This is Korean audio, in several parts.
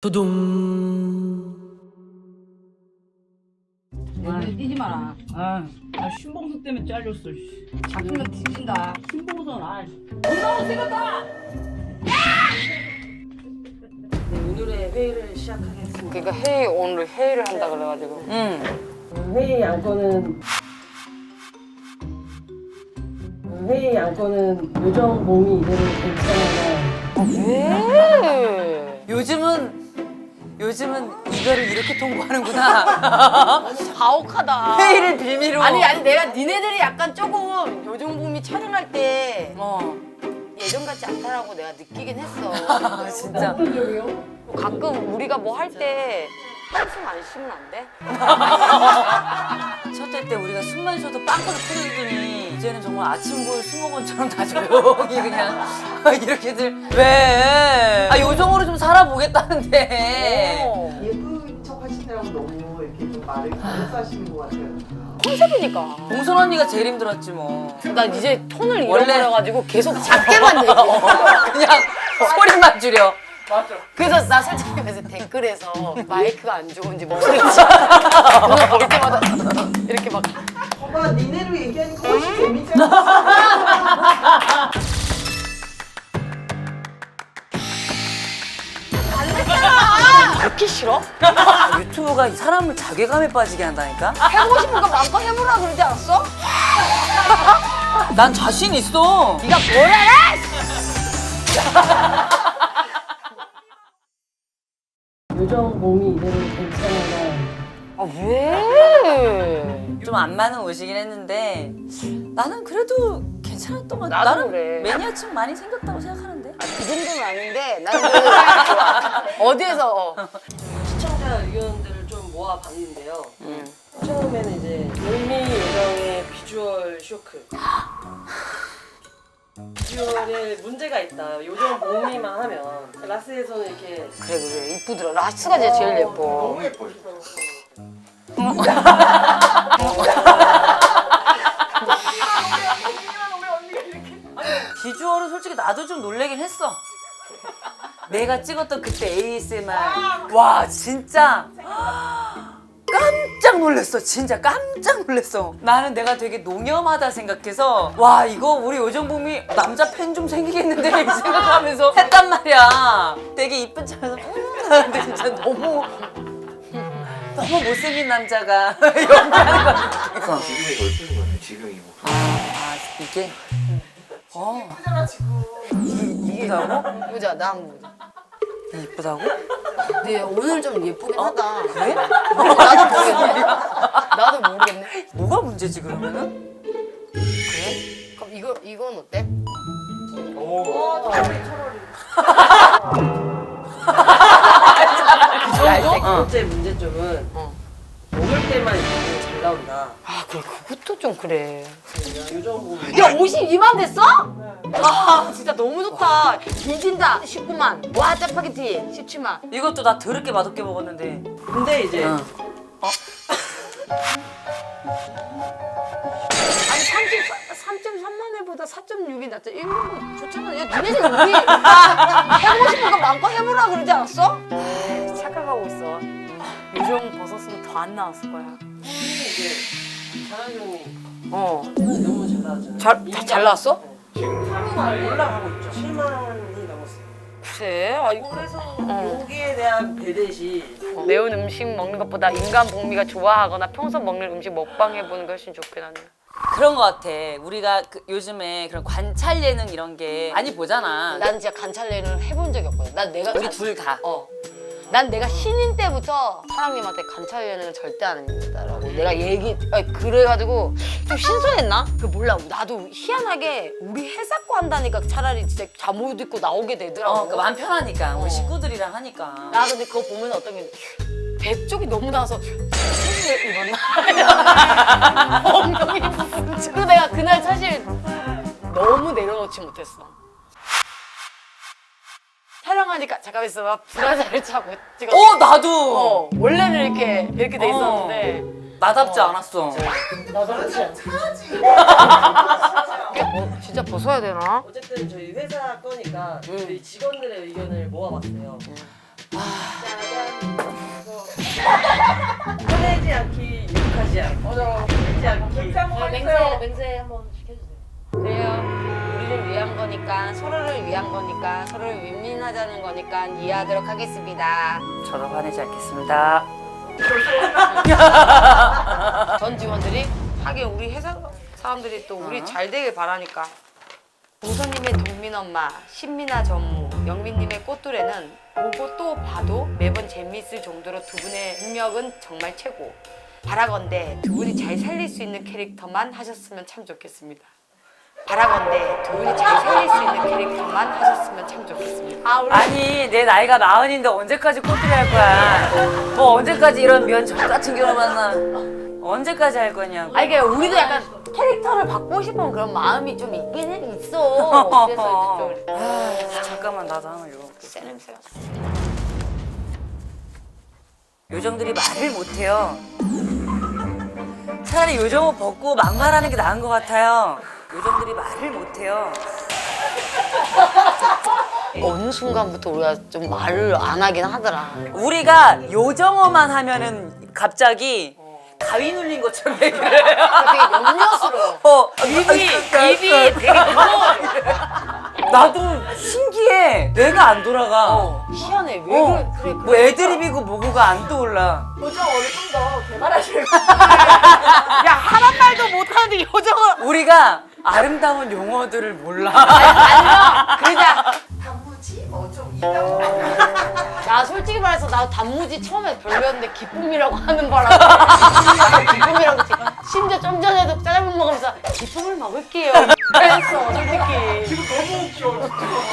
두둥. 뛰지 마라. 아, 신봉수 때문에 잘렸어. 씨. 잡히면 뒤진다. 신봉선 올라오 생겼다. 오늘의 회의를 시작하겠습니다. 그러니까 오늘 회의를 한다 그래가지고. 회의 안건은 요정 몸이 이대로 괜찮아요. 왜? 요즘은 이거를 이렇게 통보하는구나. 가혹하다. 회의를 빌미로. 아니 내가 니네들이 약간 조금 요정봄이 촬영할 때 예전 같지 않다라고 내가 느끼긴 했어. 아, 진짜. 가끔 우리가 뭐 할 때 한숨 안 쉬면 안 돼? 첫 회 때 우리가 숨만 쉬어도 빵꾸를 터지더니 이제는 정말 아침골 수목원처럼 다 조용히 그냥 이렇게들 왜? 아 요정으로 좀 살아보겠다는데. 예쁜 척 하시느라고 너무 이렇게 좀 말을 잘못 하시는 것 같아요. 컨셉이니까. 봉선 언니가 제일 힘들었지 뭐. 난 이제 톤을 원래- 잃어버려가지고 계속 작게만 얘기해. 그냥 소리만 줄여. 그래서 나 솔직히 그래서 댓글에서 마이크가 안 좋은지 목소리가 오늘 볼 때마다 이렇게 막 엄마 니네로 얘기하니까 훨씬 재밌잖아. 그렇게 싫어? 유튜브가 사람을 자괴감에 빠지게 한다니까? 해보고 싶은 거 마음껏 해보라 그러지 않았어? 난 자신 있어. 네가 뭘 알아? 요정 몸이 이대로 괜찮아요. 아 왜? 좀 안 맞는 옷이긴 했는데 나는 그래도 괜찮았던 것 같아. 나도 나는 그래. 매니아층 많이 생겼다고 생각하는데. 그 정도는 아닌데 나는 그래도 좋아. 어디에서 시청자 의견들을 좀 모아봤는데요. 처음에는 이제 물미 요정의 비주얼 쇼크. 비주얼에 문제가 있다. 요정 몸이만 하면 라스에서는 이렇게 그래 이쁘더라. 라스가 제일 예뻐. 예뻐요. 비주얼은 솔직히 나도 좀 놀래긴 했어. 내가 찍었던 그때 ASMR 와 진짜 깜짝 놀랐어. 진짜 깜짝 놀랐어. 나는 내가 되게 농염하다 생각해서 와 이거 우리 요정봄이 남자 팬 좀 생기겠는데 이 생각하면서 했단 말이야. 되게 이쁜 척해서 근데 진짜 너무 못생긴 남자가 연기하는 것 같아. 지금이 더 예쁜 것 같아요. 지금 이 목소리. 아 이게 이쁘다고? 보자 나 한번 보자. 이쁘다고? 근데 오늘 좀 예쁘긴 하다. 그래? 나도 모르겠네. 나도 모르겠네. 뭐가 문제지 그러면은? 그래? 그럼 이건 어때? 두 번째 문제점은 먹을 때만 이렇게 잘 나온다. 아 그래 그것도 좀 그래. 요정 몸이 야 52만 됐어? 아 진짜 너무 좋다. 뒤진다 19만. 와 짜파게티 17만. 이것도 나 더럽게 맛없게 먹었는데. 근데 이제 어. 아니 3.3만 회보다 4.6이 낫죠. 이런 거 좋잖아. 야 니네들 우리 해보고 싶은 거 마음껏 해보라 그러지 않았어? 착각하고 있어. 요정 벗었으면 더 안 나왔을 거야. 이제 자랑용이 어. 너무 잘 나왔잖아요. 잘 나왔어? 지금 3만 올라가고 있죠. 7만이 넘었어요. 그래. 아, 이거 그래서 여기에 대한 대대시 매운 음식 먹는 것보다 인간 복미가 좋아하거나 평소 먹는 음식 먹방 해보는 게 훨씬 좋긴 하네. 그런 거 같아. 우리가 요즘에 그런 관찰 예능 이런 게 많이 보잖아. 난 진짜 관찰 예능을 해본 적이 없거든. 난 내가 우리 둘 다. 난 내가 신인 때부터 사장님한테 관찰 예능은 절대 안 합니다라고 내가 그래가지고 좀 신선했나? 그 몰라. 나도 희한하게 우리 회사거 한다니까 차라리 진짜 잠옷 입고 나오게 되더라고. 그 마음 편하니까 우리 식구들이랑 하니까. 나 근데 그거 보면 어떤 게 배 쪽이 너무 나와서 옷을 입었나? 엉덩이 부분. 그리고 내가 그날 사실 너무 내려놓지 못했어. 촬영하니까 잠깐 있어봐. 브라자를 차고 찍었어. 나도. 원래는 이렇게 돼 있었는데 나답지 않았어. 진짜 벗어야 되나? 어쨌든 저희 회사 거니까 저희 직원들의 의견을 모아봤어요. 화내지 않기, 욕하지 않기. 울지 않기. 맹세 한번 시켜주세요. 그래요. 우리를 위한 거니까, 서로를 위한 거니까, 서로를 윈윈하자는 거니까 이해하도록 하겠습니다. 저도 화내지 않겠습니다. 전 직원들이 하긴 우리 회사 사람들이 또 우리 잘 되길 바라니까. 우선님의 동민엄마, 신민아 전무, 영민님의 꽃두레는 보고 또 봐도 매번 재미있을 정도로 두 분의 능력은 정말 최고. 바라건대 두 분이 잘 살릴 수 있는 캐릭터만 하셨으면 참 좋겠습니다. 바라건대 두 분이 잘 살릴 수 있는 캐릭터만 하셨으면 참 좋겠습니다. 아니 내 나이가 40인데 언제까지 꽃들이 할 거야? 뭐 언제까지 이런 면접 같은 경우 만나? 언제까지 할 거냐고. 아니 그러니까 우리도 약간 캐릭터를 바꾸고 싶은 그런 마음이 좀 있긴 있어. 그래서 이제 좀 잠깐만 나도 한번 읽어볼게. 새 냄새가. 요정들이 말을 못해요. 차라리 요정 옷 벗고 막말하는 게 나은 것 같아요. 요정들이 말을 못해요. 어느 순간부터 우리가 좀 말을 안 하긴 하더라. 우리가 요정어만 하면은 갑자기 가위 눌린 것처럼 얘기를 해요. 되게 염려스러워. 입이 되게 무거워. 나도 신기해. 뇌가 안 돌아가. 희한해. 왜 그래? 뭐 애드립이고 뭐고가 안 떠올라. 요정어를 좀 더 개발하실 야 하란 말도 못하는데 요정은 우리가 아름다운 용어들을 몰라. 아니야. 그냥 단무지? 좀 있다고. 나 솔직히 말해서 나 단무지 처음에 별로였는데 기쁨이라고 하는 바람에 기쁨이라고 했지. 심지어 좀 전에도 짜장면 먹으면서 기쁨을 먹을게요. 그랬어 솔직히. 지금 너무 웃겨.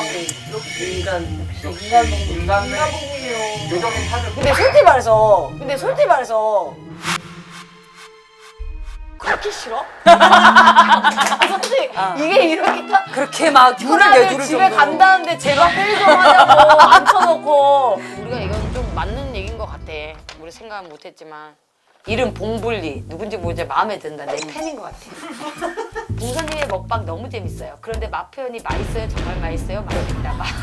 인간복이에요. 요정의 삶을 근데 솔직히 말해서 그렇게 싫어? 솔직히 이게 이렇게 그렇게 막 혀를 누나들 내두를 집에 정도로. 간다는데 제발 편의점 하냐고 앉혀놓고. 우리가 이건 좀 맞는 얘기인 것 같아. 우리 생각은 못했지만. 이름 봉불리 누군지 모르지 마음에 든다. 내 팬인 것 같아. 봉선님의 먹방 너무 재밌어요. 그런데 맛 표현이 맛있어요? 정말 맛있어요? 맛있다 봐.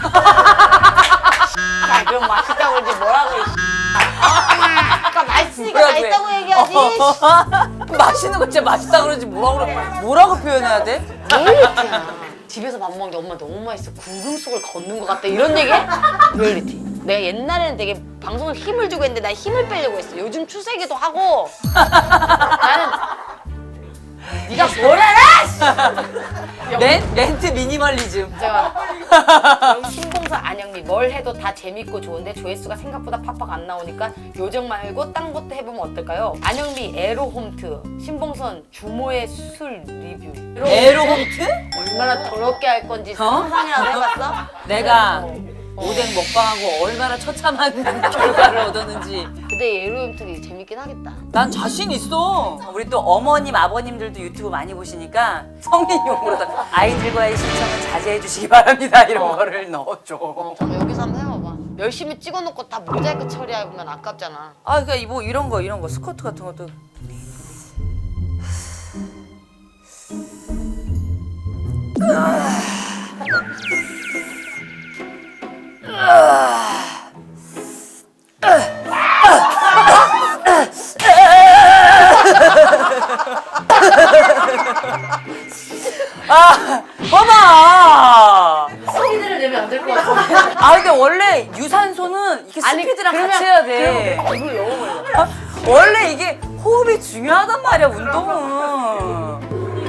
아, 그럼 맛있다고 그러지 뭐라고 그래. 아까 맛있으니까 뭐라 그래? 맛있다고 얘기하지. 맛있는 거 진짜 맛있다 그러지 뭐라고 표현해야 돼? 리얼리티야. 집에서 밥 먹는데 엄마 너무 맛있어. 구름 속을 걷는 것 같다. 이런 얘기? 리얼리티. 내가 옛날에는 되게 방송을 힘을 주고 했는데 나 힘을 빼려고 했어. 요즘 추세기도 하고 나는 네가 뭘 알아? 렌트 미니멀리즘. 제가 신봉사 안영미 뭘 해도 다 재밌고 좋은데 조회수가 생각보다 팍팍 안 나오니까 요정 말고 딴 것도 해보면 어떨까요? 안영미 에로홈트, 신봉선 주모의 술 리뷰. 에로홈트? 얼마나 더럽게 할 건지 상상이라도 해봤어? 내가 오뎅 먹방하고 얼마나 처참한 결과를 얻었는지. 근데 에로홈트 재밌긴 하겠다. 난 자신 있어. 우리 또 어머님, 아버님들도 유튜브 많이 보시니까 성인용으로다 아이들과의 신청은 자제해 주시기 바랍니다. 이런 거를 넣어줘. 저는 여기서 한번 해봐봐. 열심히 찍어놓고 다 모자이크 처리하면 아깝잖아. 아, 그러니까 뭐 이런 거 스커트 같은 것도. 봐봐. 소리들을 내면 안 될 것 같아. 아 근데 원래 유산소는 이렇게 스피드랑 같이 해야 돼. 입을 너무 벌려. 원래 이게 호흡이 중요하단 말이야 운동은.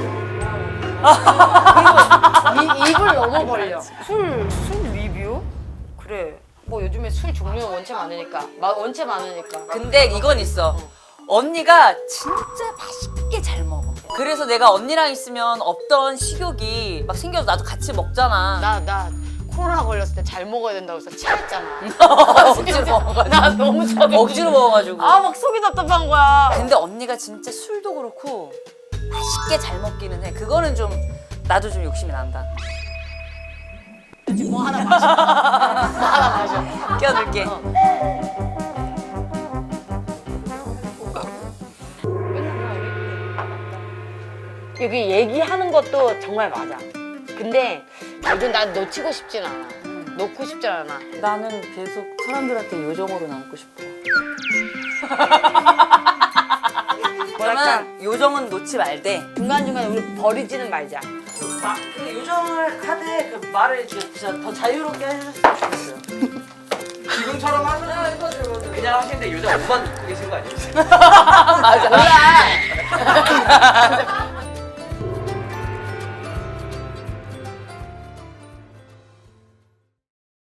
입을 너무 벌려. 술 리뷰? 그래. 뭐 요즘에 술 종류는 원체 많으니까. 원체 많으니까. 근데 이건 있어. 언니가 진짜 맛있게 잘 먹어. 그래서 내가 언니랑 있으면 없던 식욕이 막 생겨서 나도 같이 먹잖아. 나 코로나 걸렸을 때 잘 먹어야 된다고 해서 체했잖아. 억지로 먹어가지고. 나 너무 저기 억지로 먹어가지고. 아 막 속이 답답한 거야. 근데 언니가 진짜 술도 그렇고 맛있게 잘 먹기는 해. 그거는 좀 나도 좀 욕심이 난다. 뭐 하나 마셔. 뭐 하나 마셔. 껴들게. 여기 얘기하는 것도 정말 맞아. 근데 요즘 난 놓치고 싶진 않아. 놓고 싶지 않아. 나는 계속 사람들한테 요정으로 남고 싶어. 뭐랄까 그러면 요정은 놓지 말되 중간중간에 우리 버리지는 말자. 그 요정을 하되 그 말을 진짜 더 자유롭게 해줬으면 좋겠어요. 지금처럼 하면 그냥 하시는데 요즘 옷만 입고 계신 거 아니에요? 몰라.